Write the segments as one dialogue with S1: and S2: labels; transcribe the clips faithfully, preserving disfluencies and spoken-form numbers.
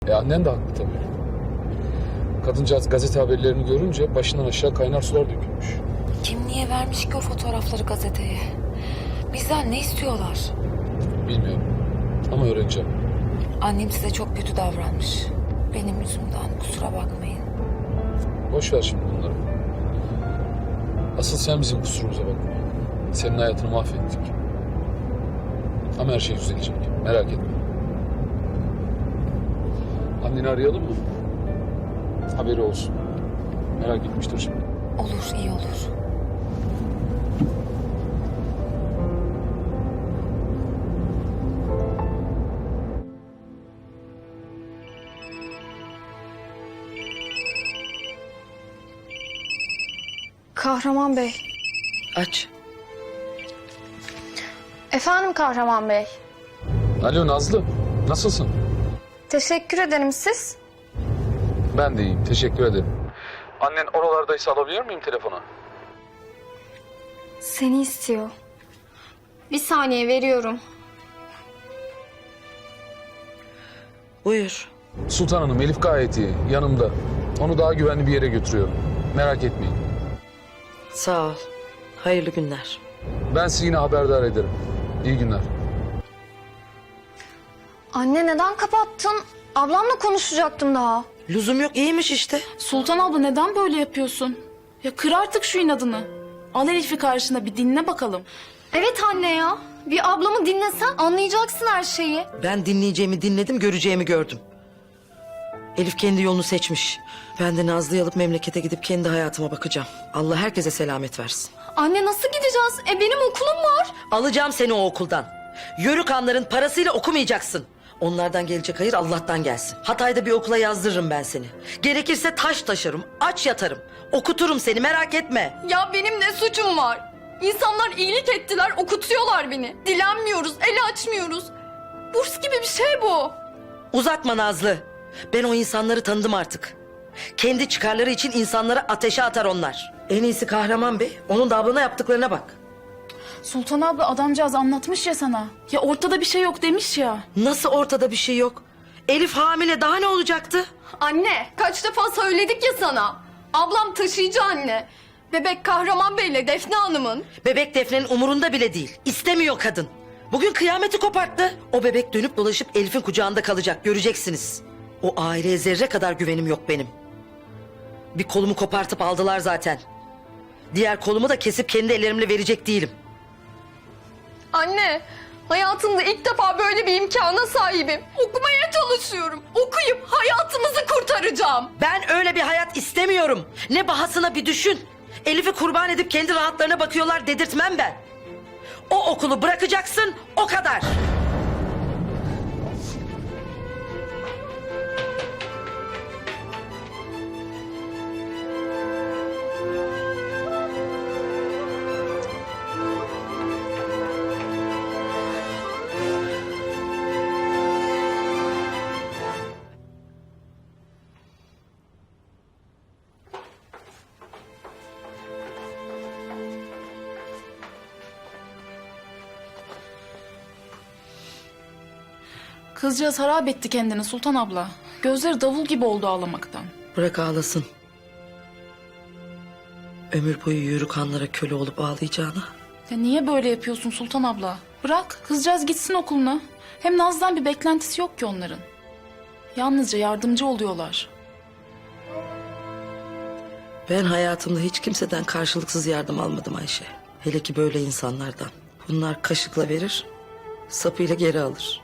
S1: E annen de haklı tabii. Kadıncağız gazete haberlerini görünce başından aşağı kaynar sular dökülmüş.
S2: Kim niye vermiş ki o fotoğrafları gazeteye? Bizden ne istiyorlar?
S1: Bilmiyorum ama öğreneceğim.
S2: Annem size çok kötü davranmış. Benim yüzümden, kusura bakmayın.
S1: Boş ver şimdi bunları. Asıl sen bizim kusurumuza bakma. Senin hayatını mahvettik. Ama her şey düzelecek. Merak etme. Anneni arayalım mı? Haberi olsun. Merak etmiştir şimdi.
S2: Olur, iyi olur.
S3: Kahraman Bey.
S4: Aç.
S3: Efendim Kahraman Bey.
S1: Alo Nazlı. Nasılsın?
S3: Teşekkür ederim, siz?
S1: Ben de iyiyim. Teşekkür ederim. Annen oralardaysa alabilir miyim telefonu?
S3: Seni istiyor. Bir saniye veriyorum.
S4: Buyur.
S1: Sultan Hanım, Elif gayet iyi. Yanımda. Onu daha güvenli bir yere götürüyorum. Merak etmeyin.
S4: Sağ ol. Hayırlı günler.
S1: Ben sizi yine haberdar ederim. İyi günler.
S3: Anne neden kapattın? Ablamla konuşacaktım daha.
S4: Lüzum yok, iyiymiş işte.
S5: Sultan abla neden böyle yapıyorsun? Ya kır artık şu inadını. Al Elif'i karşına bir dinle bakalım.
S3: Evet anne ya. Bir ablamı dinlesen anlayacaksın her şeyi.
S4: Ben dinleyeceğimi dinledim, göreceğimi gördüm. Elif kendi yolunu seçmiş. Ben de Nazlı'yı alıp memlekete gidip kendi hayatıma bakacağım. Allah herkese selamet versin.
S3: Anne nasıl gideceğiz? E benim okulum var.
S4: Alacağım seni o okuldan. Yörük hanların parasıyla okumayacaksın. Onlardan gelecek hayır Allah'tan gelsin. Hatay'da bir okula yazdırırım ben seni. Gerekirse taş taşırım, aç yatarım. Okuturum seni, merak etme.
S6: Ya benim ne suçum var? İnsanlar iyilik ettiler, okutuyorlar beni. Dilenmiyoruz, el açmıyoruz. Burs gibi bir şey bu.
S4: Uzatma Nazlı. Ben o insanları tanıdım artık. Kendi çıkarları için insanları ateşe atar onlar. En iyisi Kahraman Bey, onun da ablana yaptıklarına bak.
S5: Sultan abla adamcağız anlatmış ya sana. Ya ortada bir şey yok demiş ya.
S4: Nasıl ortada bir şey yok? Elif hamile, daha ne olacaktı?
S6: Anne, kaç defa söyledik ya sana. Ablam taşıyıcı anne. Bebek Kahraman Bey'le Defne Hanım'ın.
S4: Bebek Defne'nin umurunda bile değil. İstemiyor kadın. Bugün kıyameti koparttı. O bebek dönüp dolaşıp Elif'in kucağında kalacak, göreceksiniz. O aileye zerre kadar güvenim yok benim. Bir kolumu kopartıp aldılar zaten. Diğer kolumu da kesip kendi ellerimle verecek değilim.
S6: Anne, hayatımda ilk defa böyle bir imkana sahibim. Okumaya çalışıyorum. Okuyup hayatımızı kurtaracağım.
S4: Ben öyle bir hayat istemiyorum. Ne bahasına bir düşün. Elif'i kurban edip kendi rahatlarına bakıyorlar dedirtmem ben. O okulu bırakacaksın, o kadar.
S5: Kızcağız harap etti kendini Sultan abla. Gözleri davul gibi oldu ağlamaktan.
S4: Bırak ağlasın. Ömür boyu yörük hanlara köle olup ağlayacağına.
S5: Ya niye böyle yapıyorsun Sultan abla? Bırak kızcağız gitsin okuluna. Hem Naz'dan bir beklentisi yok ki onların. Yalnızca yardımcı oluyorlar.
S4: Ben hayatımda hiç kimseden karşılıksız yardım almadım Ayşe. Hele ki böyle insanlardan. Bunlar kaşıkla verir, sapıyla geri alır.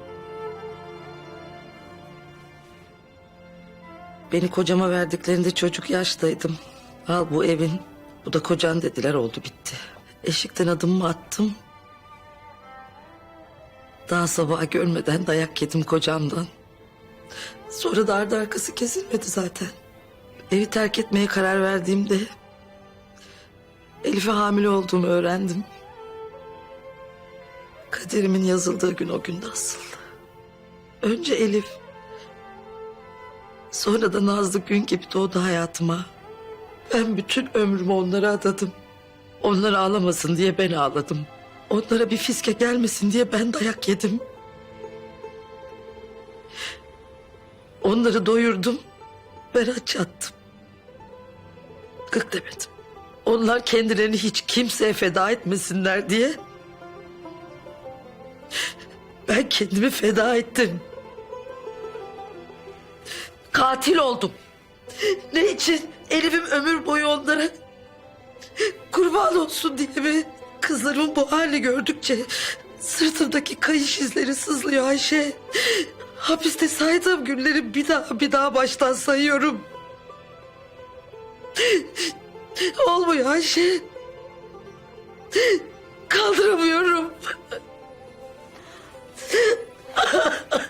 S4: Beni kocama verdiklerinde çocuk yaştaydım. Al bu evin, bu da kocan dediler, oldu bitti. Eşikten adımımı attım. Daha sabaha görmeden dayak yedim kocamdan. Sonra da ardı arkası kesilmedi zaten. Evi terk etmeye karar verdiğimde Elif'e hamile olduğumu öğrendim. Kaderimin yazıldığı gün o günde asıldı. Önce Elif, sonra da Nazlı gün gibi doğdu hayatıma. Ben bütün ömrümü onlara adadım. Onlar ağlamasın diye ben ağladım. Onlara bir fiske gelmesin diye ben dayak yedim. Onları doyurdum. Ben aç yattım. Gık demedim. Onlar kendilerini hiç kimseye feda etmesinler diye ben kendimi feda ettim. Katil oldum. Ne için? Elif'im ömür boyu onlara kurban olsun diye mi? Kızlarımın bu hali gördükçe sırtımdaki kayış izleri sızlıyor Ayşe. Hapiste saydığım günleri bir daha bir daha baştan sayıyorum. Olmuyor Ayşe. Kaldıramıyorum.